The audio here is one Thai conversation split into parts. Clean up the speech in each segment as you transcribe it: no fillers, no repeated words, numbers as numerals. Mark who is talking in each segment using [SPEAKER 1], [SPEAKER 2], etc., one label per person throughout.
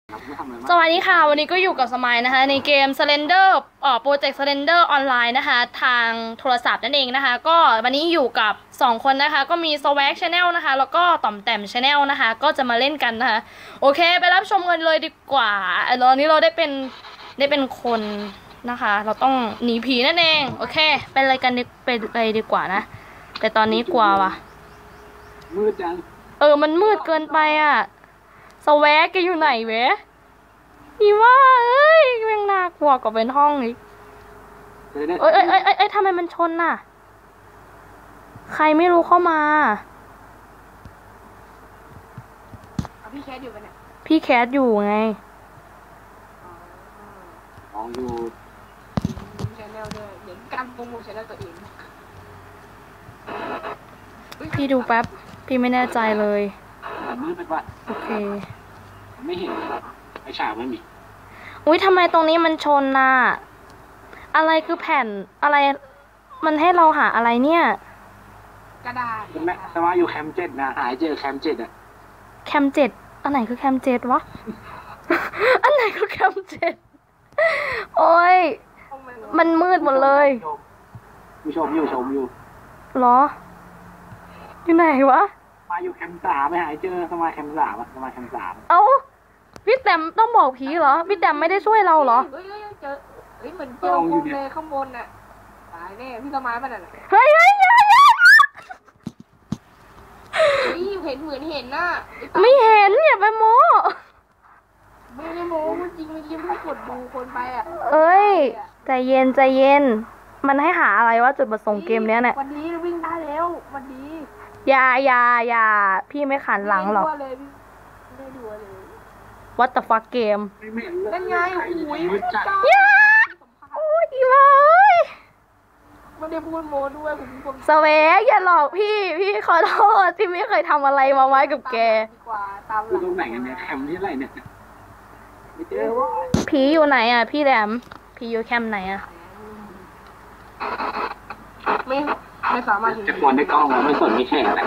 [SPEAKER 1] สวัสดีค่ะวันนี้ก็อยู่กับสมัยนะคะในเกม Slender โปรเจกต์ Slender ออนไลน์นะคะทางโทรศัพท์นั่นเองนะคะก็วันนี้อยู่กับ2คนนะคะก็มี Swag Channel นะคะแล้วก็ต่อมแต้ม Channel นะคะก็จะมาเล่นกันนะคะโอเคไปรับชมกันเลยดีกว่าตอนนี้เราได้เป็นคนนะคะเราต้องหนีผีนั่นเองโอเคไปอะไรกันไปเลยดีกว่านะแต่ตอนนี้กลัวว่ะ
[SPEAKER 2] มืดจัง
[SPEAKER 1] มันมืดเกินไปอ่ะSwagแกอยู่ไหนเว้ยอีว่าเอ้ยแม่งน่ากลัวกว่าเป็นห้องอีกเอ้ยทำไมมันชนน่ะใครไม่รู้เข้ามา
[SPEAKER 3] พี่แคทอยู่ปะเนี่ย
[SPEAKER 1] พี่แคทอยู่ไง
[SPEAKER 2] มองอยู่
[SPEAKER 3] ชแนลด้วยเห็นการโปรโมทชแนลตัวเอง
[SPEAKER 1] พี่ดูแป๊บพี่ไม่แน่ใจเลย
[SPEAKER 2] มืดไปว่า
[SPEAKER 1] โอเค
[SPEAKER 2] ไม่เห็นไอ้ฉากไม่มี
[SPEAKER 1] อุ้ยทำไมตรงนี้มันชนน่ะอะไรคือแผ่นอะไรมันให้เราหาอะไรเนี่ย
[SPEAKER 3] กระดาษ
[SPEAKER 2] คุณแม่สมาอยู่แคมป์7นะหายเจอแคมป์7อะ
[SPEAKER 1] แคมป์7อันไหนคือแคมป์7วะ อันไหนคือแคมป์7โอ้ยมันมืดหมดเลย
[SPEAKER 2] อยู่ชมอยู่
[SPEAKER 1] หรออยู่ไหนวะ
[SPEAKER 2] มาอยู่แคมป์3ไม่หายเจอสมาแคมป์3อะสมาแคมป์3
[SPEAKER 1] เอ้าพี่แต้มต้องบอกผีเหรอพี่แต้มไม่ได้ช่วยเราเหรอ
[SPEAKER 3] เจอเหมือนเจอโคมเลยข้างบนน่ะตายแน่พี่สมัยมันน่ะ
[SPEAKER 1] เฮ้ย
[SPEAKER 3] เห็นเหมือนเห็นน่ะ
[SPEAKER 1] ไม่เห็นอย่าไปโม้
[SPEAKER 3] ไม่ได้โม้จริงเมื่อกี้พี่กดดูคนไปอ่ะ
[SPEAKER 1] เอ้ยใจเย็นมันให้หาอะไรวะจุดประสงค์เกมเนี้ยเนี่ย
[SPEAKER 3] วันนี้วิ่งได้แล้ววันนี้
[SPEAKER 1] อย่าพี่ไม่ขันหลังหรอก
[SPEAKER 3] ไม่ดูเลย
[SPEAKER 1] What the fuck เกม
[SPEAKER 3] นั่นไงโอ้ย
[SPEAKER 1] โอ้ยอีเลย
[SPEAKER 3] ไม่ได้พูดโม้ด้วยผม
[SPEAKER 1] สเวกอย่าหลอกพี่ขอโทษพี่ไม่เคยทำอะไรมาไว้กับแก
[SPEAKER 2] ตรงไหนกันเนี่ยแคมป์ที่ไรเนี่ยไม่เจอวะ
[SPEAKER 1] ผีอยู่ไหนอ่ะพี่แหลมผีอยู่แคมป์ไหนอ่ะ
[SPEAKER 3] ไม่สามารถ
[SPEAKER 2] จะกวนได้กล้องแล้วไม่สนไม่แข่งแหละ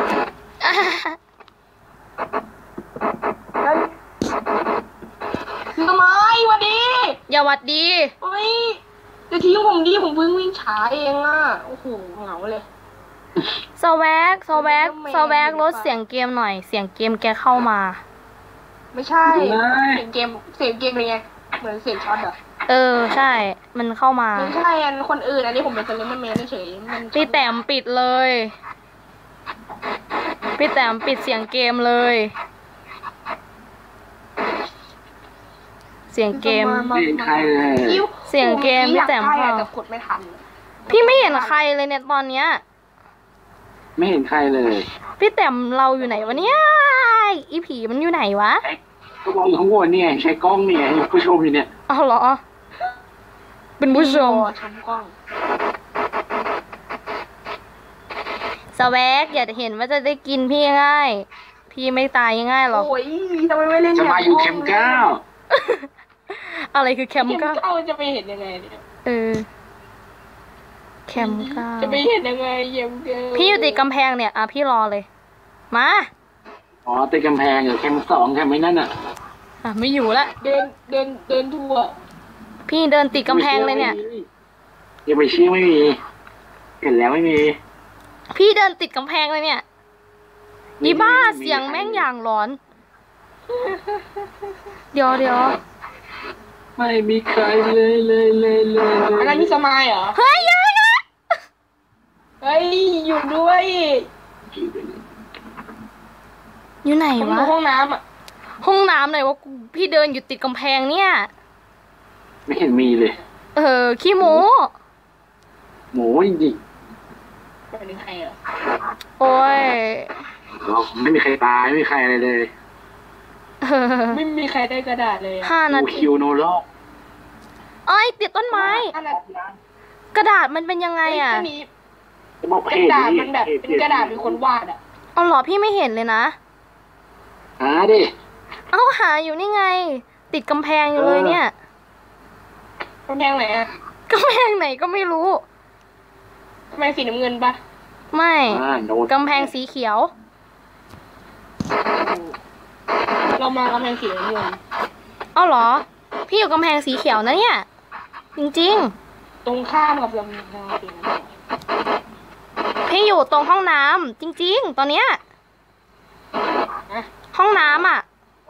[SPEAKER 3] ทำไมวันดี
[SPEAKER 1] อย่าวัดดี
[SPEAKER 3] เฮ้ยจะทิ้งผมดิผมเพิ่งวิ่งช้าเองอ่ะโอ้โหเหงาเลย
[SPEAKER 1] สแวกลดเสียงเกมหน่อยเสียงเกมแกเข้ามา
[SPEAKER 3] ไม่ใช่เสียงเกมเป็นไงเหมือนเสียงช็อตอะ
[SPEAKER 1] ใช่มันเข้ามา
[SPEAKER 3] ไม่ใช่อันคนอื่นอันนี้ผมเป็นคนเล่นแมนเฉย
[SPEAKER 1] พี่แต้มปิดเลยพี่แต้มปิดเสียงเกมเลยเสียงเกมเสียงเกมพี่แต้ม
[SPEAKER 3] พ่อกดไม่ทัน
[SPEAKER 1] พี่ไม่เห็นใครเลยเนี่ยตอนเนี้ย
[SPEAKER 2] ไม่เห็นใครเลย
[SPEAKER 1] พี่แต้มเราอยู่ไหนวะเนี่ยอีผีมันอยู่ไหนวะ
[SPEAKER 2] ก็มองอยู่ข้างบนเนี่ยใช้กล้องเนี่ยผู้ชมอยู่เนี่ย
[SPEAKER 1] อ้าวเหรอเป็นผู้ชม
[SPEAKER 3] กล้อง
[SPEAKER 1] สแวกอย่าเห็นว่าจะได้กินพี่ง่ายพี่ไม่ตายง่ายหรอก
[SPEAKER 3] โอ้ยทำไมไม่เล่น
[SPEAKER 2] จะมาอยู่แคมป์
[SPEAKER 1] 9อะไรคือแคมป์
[SPEAKER 3] 9จะไปเห็นยังไงเนี่ย
[SPEAKER 1] แคมป์9
[SPEAKER 3] จะไปเห็นยังไง
[SPEAKER 1] พี่อยู่ติดกำแพงเนี่ยพี่รอเลยมา
[SPEAKER 2] อ๋อติดกำแพงเหรอแคมป์2แคมป์ไม่นั่นอ่ะ
[SPEAKER 1] ไม่อยู่ละ
[SPEAKER 3] เดินทั่ว
[SPEAKER 1] พี่เดินติดกำแพงเลยเนี่ย
[SPEAKER 2] อย่าไปชี้ไม่มีเห็นแล้วไม่มี
[SPEAKER 1] พี่เดินติดกำแพงเลยเนี่ยอีบ้าเสียงแม่งอย่างร้อนเดี๋ยว
[SPEAKER 2] ไม่มีใครเลย
[SPEAKER 3] อันนั้นพี่สมัยเหรอ
[SPEAKER 1] เฮ้ย
[SPEAKER 3] เฮ้ยอยู่ด้วย
[SPEAKER 1] อยู่ไหนวะ
[SPEAKER 3] ห้องน้ำอะ
[SPEAKER 1] ห้องน้ำไหนวะพี่เดินอยู่ติดกำแพงเนี่ย
[SPEAKER 2] ไม่เห็นมีเลย
[SPEAKER 1] ขี้โม้
[SPEAKER 2] หมูจริง
[SPEAKER 3] เป็นใครอ่ะ
[SPEAKER 1] โอ้ย
[SPEAKER 2] ไม่มีใครตายไม่มีใครอะไรเลย
[SPEAKER 3] ไม่มีใครได้กระดาษเลย
[SPEAKER 1] 5 นาที
[SPEAKER 2] คิวโนโล
[SPEAKER 1] ติดต้นไม้กระดาษมันเป็นยังไงอ่ะ
[SPEAKER 3] กระดาษมันแบบเป็นกระดาษเป็นคนวาดอ่ะ
[SPEAKER 1] เอาหรอพี่ไม่เห็นเลยนะ
[SPEAKER 2] หาดิ
[SPEAKER 1] หาอยู่นี่ไงติดกำแพงอยู่เลยเนี่ย
[SPEAKER 3] กำแพงไหนอ่ะ
[SPEAKER 1] กำแพงไหนก็ไม่รู้
[SPEAKER 3] กำแพงสีน้ำเงินปะ
[SPEAKER 1] ไม่กำแพงสีเขียว
[SPEAKER 3] เรามากำแพงสีน้ำเงิน
[SPEAKER 1] เอาเหรอ พี่อยู่กำแพงสีเขียวนะเนี่ย จริง
[SPEAKER 3] ตรงข้ามกับลำนาเปลี่ยนนะ
[SPEAKER 1] ๆ พี่อยู่ตรงห้องน้ำจริงๆ ตอนเนี้ย
[SPEAKER 3] นะ
[SPEAKER 1] ห้องน้ำอ่ะ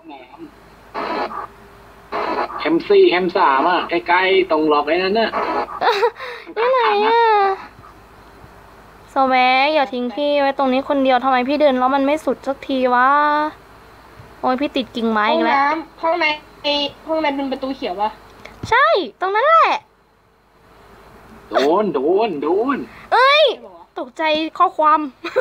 [SPEAKER 2] แคมซี่แคมสามอ่ะใกล้ๆตรงหลอกไอ้นั่นน่ะ
[SPEAKER 1] ที่ไหนอ่ะสแวกอย่าทิ้งพี่ไว้ตรงนี้คนเดียวทำไมพี่เดินแล้วมันไม่สุดสักทีวะ โอ้ยพี่ติดกิ่งไม้
[SPEAKER 3] ห้อ
[SPEAKER 1] อี
[SPEAKER 3] ง
[SPEAKER 1] กแล้ว
[SPEAKER 3] น้ำห้องในเป็นประตูเขียวปะ
[SPEAKER 1] ใช่ ตรงนั้นแหละ
[SPEAKER 2] โดน
[SPEAKER 1] เอ้ย
[SPEAKER 3] ใช่ปะวะ
[SPEAKER 1] ตกใจข้อความ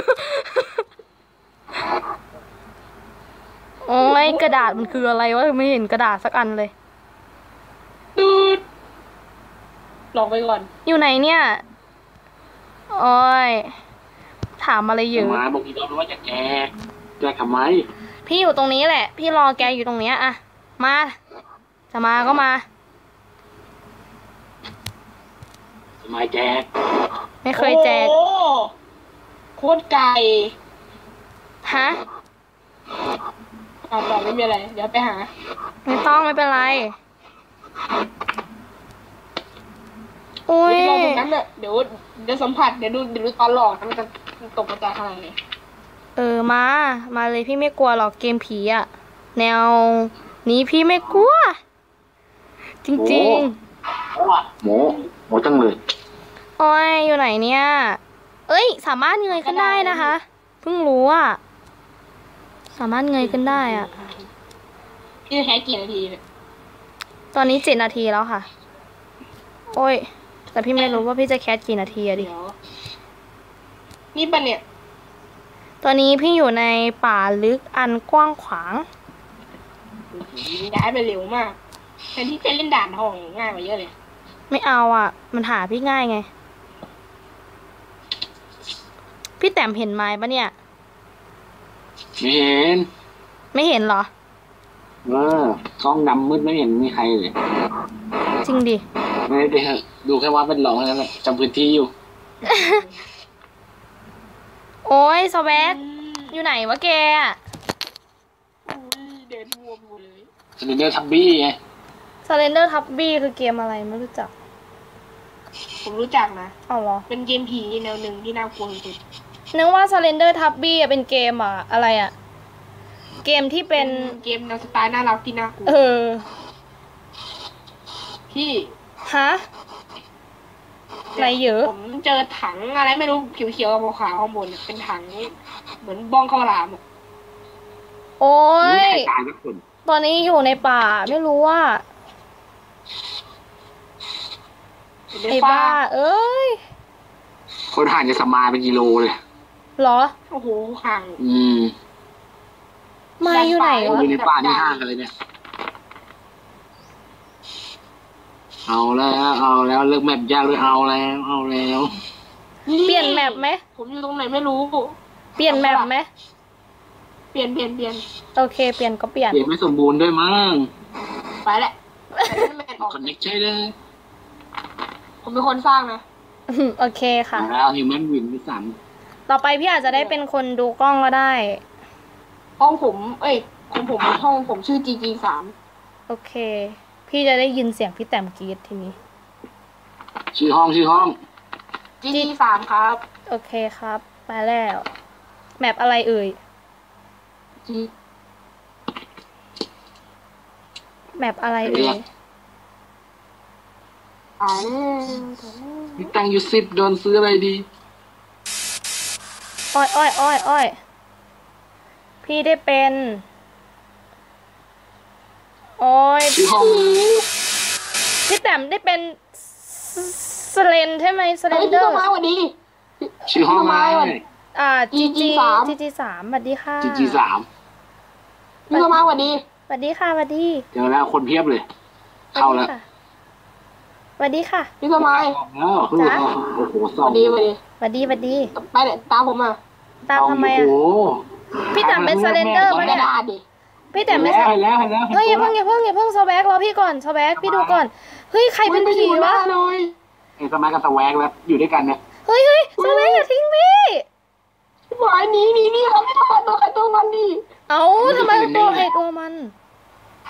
[SPEAKER 1] โอ้ยกระดาษมันคืออะไรวะไม่เห็นกระดาษสักอันเลย
[SPEAKER 3] ดูดลองไปก่อน
[SPEAKER 1] อยู่ไหนเนี่ย โอ้ย ถามอะไรเยอะ
[SPEAKER 2] มาบอกอีกรอบว่าจะแกทำไม
[SPEAKER 1] พี่อยู่ตรงนี้แหละ พี่รอแกอยู่ตรงเนี้ยอะมา จะมาก็มา
[SPEAKER 2] ทำไมแก
[SPEAKER 1] ไม่เคยแจก
[SPEAKER 3] โอ้โคตรไกล
[SPEAKER 1] ฮะ
[SPEAKER 3] ต่อไม่มีอะไร เดี๋ยวไปหา
[SPEAKER 1] ไม่ต้องไม่เป็นไร อุ้ย
[SPEAKER 3] เดี๋ยวรอตรงนั้นเน่ะเดี๋ยวสัมผัสเดี๋ยวดูตอนหลอกมันจะตกมาจากอะไรเนี่ย
[SPEAKER 1] มาเลยพี่ไม่กลัวหรอกเกมผีอะแนวนี้พี่ไม่กลัว จริง
[SPEAKER 2] โหจังเลย
[SPEAKER 1] ๆ โอ้ยอยู่ไหนเนี่ย เอ้ย สามารถเงยขึ้นได้นะคะ เพิ่งรู้อะสามารถเงยขึ้นได้อะ
[SPEAKER 3] พี่จะใช้กี่นาทีเนี่ย
[SPEAKER 1] ตอนนี้7 นาทีแล้วค่ะ โอ้ย แต่พี่ไม่รู้ว่าพี่จะแคสกี่นาทีอะดิ
[SPEAKER 3] เดี๋ยวนี่ปะเนี่ย
[SPEAKER 1] ตอนนี้พี่อยู่ในป่าลึกอันกว้างขวาง
[SPEAKER 3] ย้ายไปเร็วมากแทนที่จะเล่นด่านทองง่ายกว่าเยอะเลย
[SPEAKER 1] ไม่เอาอ่ะ มันหาพี่ง่ายไง พี่แต้มเห็นไม้ปะเนี่ย
[SPEAKER 2] ไม่เห็น
[SPEAKER 1] ไม่เห็นเหรอ
[SPEAKER 2] กล้องดำมืดไม่เห็นมีใครเลย
[SPEAKER 1] จริงดิ
[SPEAKER 2] ไม่ได้ดูแค่ว่าเป็นหลอกแค่นั้นแหละจำพื้นที่อยู่
[SPEAKER 1] โอ้ยสแวกอยู่ไหนวะแกอะ
[SPEAKER 3] เดินวัวไปหมดเลย
[SPEAKER 2] สเลนเดอร์ทับบี้ไง
[SPEAKER 1] Surrender Tubby คือเกมอะไรไม่รู้จัก
[SPEAKER 3] ผมรู้จักนะ
[SPEAKER 1] เอาเหรอ
[SPEAKER 3] เป็นเกมผีแนวหนึ่งที่น่ากลัวสุด
[SPEAKER 1] นึกว่า Surrender Tubby อะเป็นเกมอะอะไรอะเกมที่เป็น
[SPEAKER 3] เกมแนวสไตล์น่ารักที่น่ากลัว พี่
[SPEAKER 1] ฮะ อะไรเยอะ
[SPEAKER 3] ผมเจอถังอะไรไม่รู้เขียวๆขาวๆข้างบนเป็นถังเหมือนบ้องข้าวหลามอะ
[SPEAKER 1] โอ้
[SPEAKER 2] ไม่
[SPEAKER 1] ย
[SPEAKER 2] มีใครตายสักคน
[SPEAKER 1] ตอนนี้อยู่ในป่าไม่รู้ว่า
[SPEAKER 3] เป็น
[SPEAKER 1] ไอ้
[SPEAKER 3] ฟ้า
[SPEAKER 1] บ้า เอ้ย
[SPEAKER 2] คนห่างจะสมายเป็นกิโลเลย
[SPEAKER 1] เหรอ
[SPEAKER 3] โอ้โหห่าง
[SPEAKER 1] มาอยู่ไหน
[SPEAKER 2] อยู่
[SPEAKER 1] วะ
[SPEAKER 2] ในป่านี่ห่างกันเลยเนี่ย เอาแล้วเลิกแมปยากเลยเอาแล้ว
[SPEAKER 1] เปลี่ยนแมปไหม
[SPEAKER 3] ผมอยู่ตรงไหนไม่รู้
[SPEAKER 1] เปลี่ยนแมปไหม
[SPEAKER 3] เปลี่ยน
[SPEAKER 1] โอเค เปลี่ยนก็เปลี่ยน
[SPEAKER 2] เปลี่ยนไม่สมบูรณ์ด้วยมั้ง
[SPEAKER 3] ไปแหละไปเล่นแมนออก
[SPEAKER 2] คอนเน็กใช่เลย
[SPEAKER 3] ผมเป็นคนสร้างนะ
[SPEAKER 1] โอเคค่ะ
[SPEAKER 2] แล้วฮิวแมนวินที่สาม
[SPEAKER 1] ต่อไปพี่อาจจะได้เป็นคนดูกล้องก็ได้
[SPEAKER 3] ห้องผมของผมห้องผมชื่อ GG3
[SPEAKER 1] โอเค พี่จะได้ยินเสียงพี่แต้มกรีดทีนี้
[SPEAKER 2] ชื่อห้อง
[SPEAKER 3] GG3 ครับ
[SPEAKER 1] โอเคครับ ไปแล้ว แมปอะไรเอ่ย
[SPEAKER 3] G
[SPEAKER 1] แมปอะไรเอ่ย
[SPEAKER 2] มีตังค์อยู่10โดนซื้ออะไรดี
[SPEAKER 1] อ้อย พี่ได้เป็น โอ้ย
[SPEAKER 2] ชื่อห้อง
[SPEAKER 1] พี่แต้มได้เป็นสเลนใช่ไหมสเล
[SPEAKER 3] เฮ้ย
[SPEAKER 1] นเด
[SPEAKER 3] พี่
[SPEAKER 1] อ
[SPEAKER 3] ต้
[SPEAKER 1] ร์
[SPEAKER 3] นไม้สวัสดี
[SPEAKER 2] ชื่อห้องอะไร
[SPEAKER 3] GG3
[SPEAKER 1] GG3 สวัสดีค่ะ
[SPEAKER 2] GG3
[SPEAKER 3] พี่ต้นไม้สวัสดี
[SPEAKER 1] สวัสดีค่ะสวัสดี
[SPEAKER 2] เจอแล้วคนเพียบเลย เข้าแล้ว
[SPEAKER 1] สวัสดีค่ะ
[SPEAKER 3] พี่ต้นไม้
[SPEAKER 2] แล้วโอ้โห
[SPEAKER 3] ส
[SPEAKER 2] สอง
[SPEAKER 3] วัสดี
[SPEAKER 1] สวัสดี
[SPEAKER 3] ไปเลยตามผมมา
[SPEAKER 1] ตามทำไม
[SPEAKER 2] โอ้
[SPEAKER 1] อ่ะ
[SPEAKER 2] โห
[SPEAKER 1] พี่แต้มเป็นสเลนเดอร์
[SPEAKER 3] ไม่
[SPEAKER 1] ปะ
[SPEAKER 3] ได้
[SPEAKER 1] เนี่ย
[SPEAKER 3] ด่าดิ
[SPEAKER 1] พี่แต่ไม่
[SPEAKER 2] เห็
[SPEAKER 1] ใช่
[SPEAKER 2] นแล้ว
[SPEAKER 1] เฮ้ยอย่าเพิ่งสแวกรอพี่ก่อนสแวกพี่ดูก่อน เฮ้ยใครเป็นผีวะ
[SPEAKER 3] เลย
[SPEAKER 2] ไอ้สมัยกับสแวกแล้วอยู่ด้วยกันเนี่ย
[SPEAKER 1] เฮ้ยสแวกอย่าทิ้งพี่
[SPEAKER 3] หวายหนีครับไม่ต้องตัวใครตัวมันดิ
[SPEAKER 1] เอ้าทำไมตัวใครตัวมัน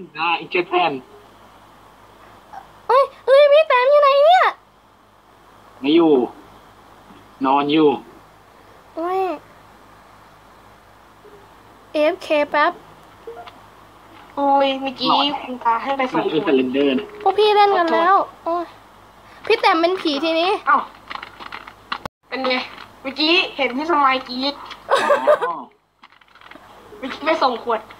[SPEAKER 2] ได้อีกเจ็ดแผ่น
[SPEAKER 1] เอ้ยพี่แต้มอยู่ไหนเนี่ย
[SPEAKER 2] ไม่อยู่ นอนอยู่
[SPEAKER 1] เอ้ย AFK แป๊บ
[SPEAKER 3] โอ้ยเมื่อกี้คุณตาให้ไปส่ง
[SPEAKER 2] คือ
[SPEAKER 3] ค
[SPEAKER 2] เซ
[SPEAKER 3] น
[SPEAKER 2] เลนเดอร์นะ
[SPEAKER 1] พวกพี่เล่นกันแล้วโอ้ยพี่แต้มเป็นผีทีนี้
[SPEAKER 3] เอ้าเป็นไงเมื่อกี้เห็นพี่สมัยกรีด
[SPEAKER 2] อ๋อ
[SPEAKER 3] เมื่อกี้ไปส่งขวด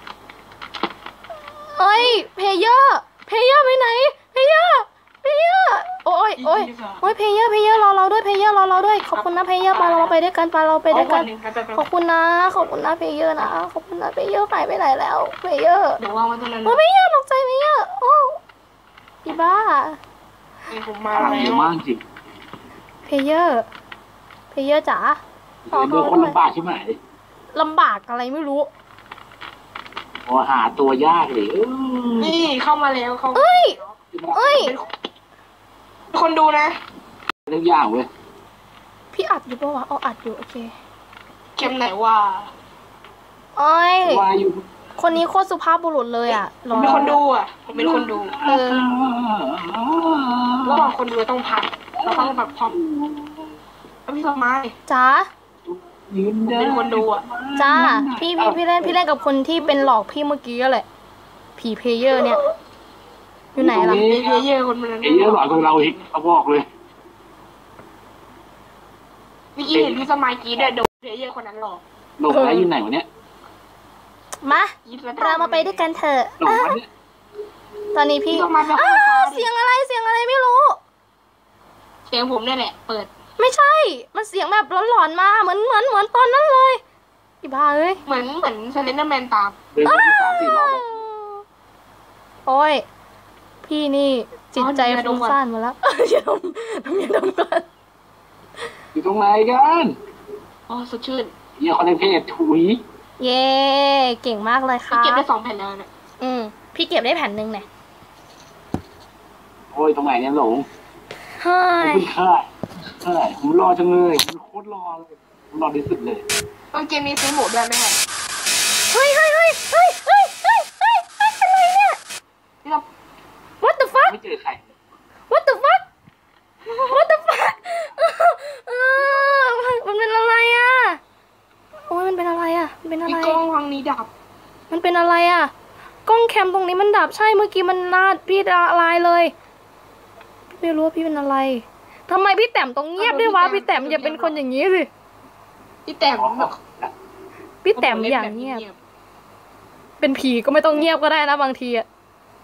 [SPEAKER 1] เอ้ยเพเยอร์ไปไหนเพเยอร์โอ้ยเพเยอร์รอเราด้วยเพเยอร์รอเราด้วยขอบคุณนะเพเยอร์ไปเราไปด้วยกันเราไปด้วยกัน ขอบคุณนะเพเยอร์นะขอบคุณนะเพเยอร์หายไปไหนแล้วเพเยอร์
[SPEAKER 3] เดี๋ยววางไว้ตรงนั้น
[SPEAKER 1] โอ้เพเยอร์ตกใจเพเยอร์โอ้อีบ้า
[SPEAKER 3] ผมมา
[SPEAKER 2] ทำ
[SPEAKER 3] แล้
[SPEAKER 2] เยอะ
[SPEAKER 3] ว
[SPEAKER 2] มากจริง
[SPEAKER 1] เพเยอร์จ๋า
[SPEAKER 2] เซเลนเดอร์คนลำบากใช่ไหม
[SPEAKER 1] ลำบากอะไรไม่รู้
[SPEAKER 2] โอ้หาตัวยากเลย
[SPEAKER 3] นี่เข้ามาแล้วเขา
[SPEAKER 1] เอ้ย
[SPEAKER 3] เป็นคนดูนะ
[SPEAKER 2] เรื่องยากเว้ย
[SPEAKER 1] พี่อัดอยู่ปะวะอ๋ออัดอยู่โอเค
[SPEAKER 3] เข็มไหนว่า
[SPEAKER 1] โอ้ย
[SPEAKER 2] ว่าอยู่
[SPEAKER 1] คนนี้โคตรสุภาพบุรุษเลยอ่ะ
[SPEAKER 3] ผมเป็นคนดูอ่ะผมเป็นคนดู
[SPEAKER 1] เออ
[SPEAKER 3] ระหว่างคนดูต้องพักเราต้องแบบพร้อมแล้วพี่สมัย
[SPEAKER 1] จ๋า
[SPEAKER 2] ยืน
[SPEAKER 3] ผม
[SPEAKER 2] เดิ
[SPEAKER 3] เป็นคนดูอ่ะ
[SPEAKER 1] จ้าพี่เล่นกับคนที่เป็นหลอกพี่เมื่อกี้ก็แหละผีเพลเยอร์เนี่ย อยู่ไหนล่ะ
[SPEAKER 3] มีเยอะคนนั้น
[SPEAKER 2] ไอ้เยอะหลอนกว่าเราอีกเขาบอกเลย
[SPEAKER 3] เมื่อกี้เห็นพี่สมัยกรีดเดินเยอะคนนั้นหรอก
[SPEAKER 2] หลงแล้วอยู่ไหนวะเนี่ย
[SPEAKER 1] มา
[SPEAKER 3] กรี๊ดแล้ว
[SPEAKER 1] เรามาไปด้วยกันเถอะ
[SPEAKER 2] หลงแล้วเนี่ย
[SPEAKER 1] ตอนนี้พี่
[SPEAKER 3] พี่สมัยเป็นคน
[SPEAKER 1] เสียงอะไรไม่รู้
[SPEAKER 3] เสียงผมเนี่ยแหละ เปิด
[SPEAKER 1] ไม่ใช่ มันเสียงแบบหลอนๆมาเหมือนตอนนั้นเลยอีบ้าเอ้ย
[SPEAKER 3] เหมือนเซเลนเดอร์แมนตาม
[SPEAKER 2] เดินไปที่3-4 รอบแล้ว
[SPEAKER 1] โอ้ยพี่นี่จิตใจฟุ้งซ่านหมาแล้วอย่าดมก่อน
[SPEAKER 2] อยู่ตรงไหนกัน
[SPEAKER 3] อ๋อสดชื่น
[SPEAKER 2] เนี่ยคนในเพจถุย
[SPEAKER 1] เย้เก่งมากเลย
[SPEAKER 3] พี่
[SPEAKER 1] ค่ะ
[SPEAKER 3] เก็บได้2 แผ่นแล้วเนี่ย
[SPEAKER 1] พี่เก็บได้แผ่นหนึ่งเนี่ย
[SPEAKER 2] โอ้ยตรงไหนเนี่ยหลง
[SPEAKER 1] เฮ้
[SPEAKER 2] ขอบ
[SPEAKER 1] ย
[SPEAKER 2] คุณค่ะใช่ผมรอจังเลยผมโคตรรอเลยผมรอที่สุดเลย
[SPEAKER 3] เกมนี้ซื้อหมูด้วยไหมครับ
[SPEAKER 1] เฮ้ยอะไรเนี่ย
[SPEAKER 3] พี่เรา
[SPEAKER 1] What the fuck
[SPEAKER 2] ไม่เจอใคร
[SPEAKER 1] What the fuck What the fuck มันเป็นอะไรอ่ะโอ้ยมันเป็นอะไรอ่ะมันเป็นอะไร
[SPEAKER 3] พี่กล้องวางนี้ดับ
[SPEAKER 1] มันเป็นอะไรอ่ะกล้องแคมตรงนี้มันดับใช่เมื่อกี้มันลาดพี่ละลายเลยพี่ไม่รู้ว่าพี่เป็นอะไรทำไมพี่แต้มต้องเงียบด้วยวะพี่แต้มอย่าเป็นคนอย่างนี้สิ
[SPEAKER 3] พี่แต้ม
[SPEAKER 1] พี่แต้มอย่างเงียบเป็นผีก็ไม่ต้องเงียบก็ได้นะบางทีอ่ะ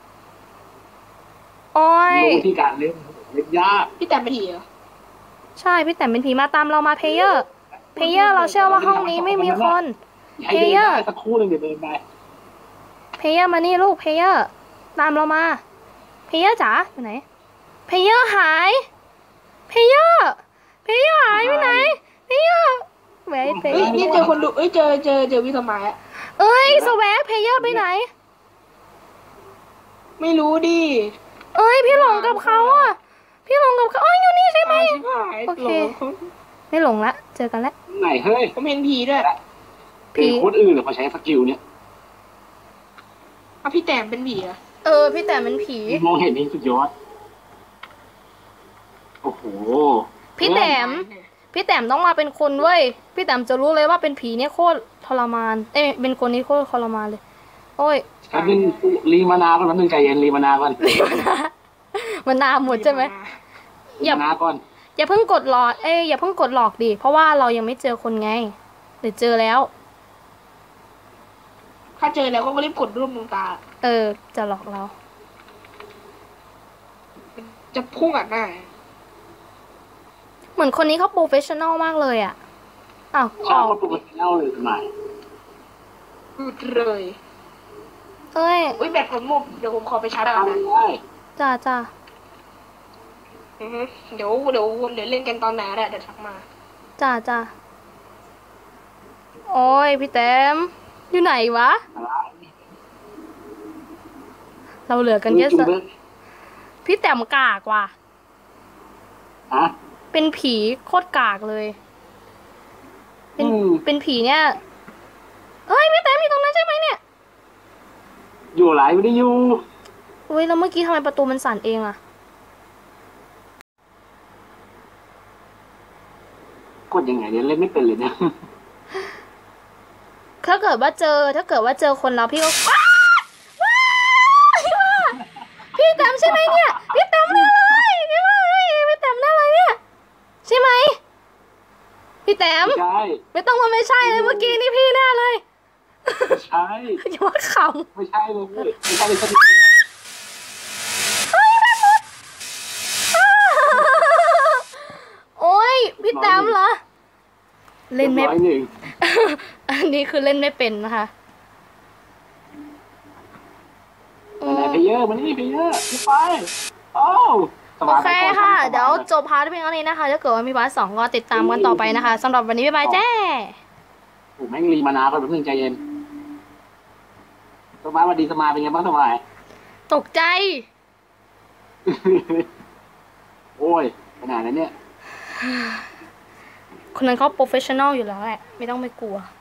[SPEAKER 1] โอ้ย
[SPEAKER 2] รู้ที่การเล่นยาก
[SPEAKER 3] พี่แต้มเป็นผีเหรอ
[SPEAKER 1] ใช่พี่แต้มเป็นผีมาตามเรามาเพเยอร์เราเชื่อว่าห้องนี้ไม่มีคน
[SPEAKER 2] ให้เดินได้สักครู่หนึงเดี๋ยวเดินไป
[SPEAKER 1] เพเยอร์มานี่ลูกเพเยอร์ตามเรามาเพเยอร์จ๋าอยู่ไหนเพเยอร์หายเพเยอร์หายไปไหนเพเยอร์แหวนเพ
[SPEAKER 3] เอ้ยนี่เจอคนดูเอ้ยเจอพี่สมัยอะ
[SPEAKER 1] เอ้ยสแวกเพเยอร์ไปไหน
[SPEAKER 3] ไม่รู้ดิ
[SPEAKER 1] เอ้ยพี่หลงกับเขาอ่ะพี่หลงกับเขาอ๋ออยู่นี่ใช่ไหม โอเค ไม่หลงละเจอกันแล้ว
[SPEAKER 2] ไหนเฮ้ย
[SPEAKER 3] ผมเห็นผีด้วย
[SPEAKER 2] เป็นคนอื่นหรือเขาใช้สกิลเนี่ย
[SPEAKER 3] พี่แต้มเป็นผีเหรอ
[SPEAKER 1] พี่แต้มเป็นผี
[SPEAKER 2] มองเห็นนี่สุดยอดโอ้โห
[SPEAKER 1] พี่แต้มต้องมาเป็นคนเว้ยพี่แต้มจะรู้เลยว่าเป็นผีเนี่ยโคตรทรมานเป็นคนนี้โคตรทรมานเลยโอ้ย
[SPEAKER 2] แป๊บนึงรีมานาก่อนแป๊บนึงใจเย็นรีมานาก่อน
[SPEAKER 1] มันนามหมดใช่ไหม
[SPEAKER 2] รีมานาก่อน
[SPEAKER 1] อย่าเพิ่งกดหลอกอย่าเพิ่งกดหลอกดิเพราะว่าเรายังไม่เจอคนไงเดี๋ยวเจอแล้ว
[SPEAKER 3] ถ้าเจอแล้วก็รีบกดรูปดวงตา
[SPEAKER 1] จะหลอกเรา
[SPEAKER 3] จะพุ่งอัดหน้า
[SPEAKER 1] เหมือนคนนี้เขาโปรเฟชชั่นอลมากเลยอ่ะอ้าว
[SPEAKER 2] ชอบมาปกติเล่าเลยสมัย
[SPEAKER 3] หยุดเลย
[SPEAKER 1] เอ้ย
[SPEAKER 3] อุ้ยแบตผมหมดเดี๋ยวผมขอไปชาร์จก่อน
[SPEAKER 2] ทำ
[SPEAKER 3] นะ
[SPEAKER 2] ได้
[SPEAKER 1] จ้า
[SPEAKER 3] อือฮึเดี๋ยวเล่นกันตอนไหนแหละเดี๋ยวทักมา
[SPEAKER 1] จ้าโอ้ยพี่แต้มอยู่ไหนวะ เราเหลือกันแค่สพี่แต้มกากว่ะ
[SPEAKER 2] ฮะ
[SPEAKER 1] เป็นผีโคตรกากเลย เป็นผีเนี่ยเฮ้ยพี่แต้มอยู่ตรงนั้นใช่ไหมเนี่ย
[SPEAKER 2] อยู่ไหลไม่ได้อยู่
[SPEAKER 1] อุ้ยแล้วเมื่อกี้ทำไมประตูมันสั่นเองอะ
[SPEAKER 2] กดยังไงเนี่ยเล่นไม่เป็นเลยเนี่ย
[SPEAKER 1] ถ้าเกิดว่าเจอคนเราพี่ก็ว้าพี่แต้มใช่ไหมเนี่ยพี่แต้มแน่เลยพี่ว่าเฮ้ยพี่แต้มแน่เลยเนี่ยใช่ไหมพี่แต้ม
[SPEAKER 2] ใช่
[SPEAKER 1] ไม่ต้องมาไม่ใช่เลยเมื่อกี้นี่พี่แน่เลย
[SPEAKER 2] ไม่ใช่
[SPEAKER 1] อย่ามาข
[SPEAKER 2] ไม่ใช่เลยไม่ใช่เลยสัก
[SPEAKER 1] ำโอ้ยพี่แต้มเหรอเล่นไม่
[SPEAKER 2] ร้อยหนึ่ง
[SPEAKER 1] อันนี้คือเล่นไม่เป็นนะคะ
[SPEAKER 2] ไหนเพลเยอร์มันนี่เพลเยอร์ไปโอ้
[SPEAKER 1] โอเคค่ะ เดี๋ยวจบพาร์ทเพียงเท่านี้นะคะถ้าเกิดว่ามีพาร์ทสองก็ติดตามกันต่อไปนะคะสำหรับวันนี้บ๊ายบายแจ้
[SPEAKER 2] โอ้แม่งรีมานาคนแป๊บนึงใจเย็นสมาร์ทวันดีสมาร์ทเป็นไงบ้างสมาร์ท
[SPEAKER 1] ตกใจ
[SPEAKER 2] โอ้ยขนาดนั้นเนี่ย
[SPEAKER 1] คนนั้นเขาโปรเฟชชั่นอลอยู่แล้วแหละไม่ต้องไปกลัว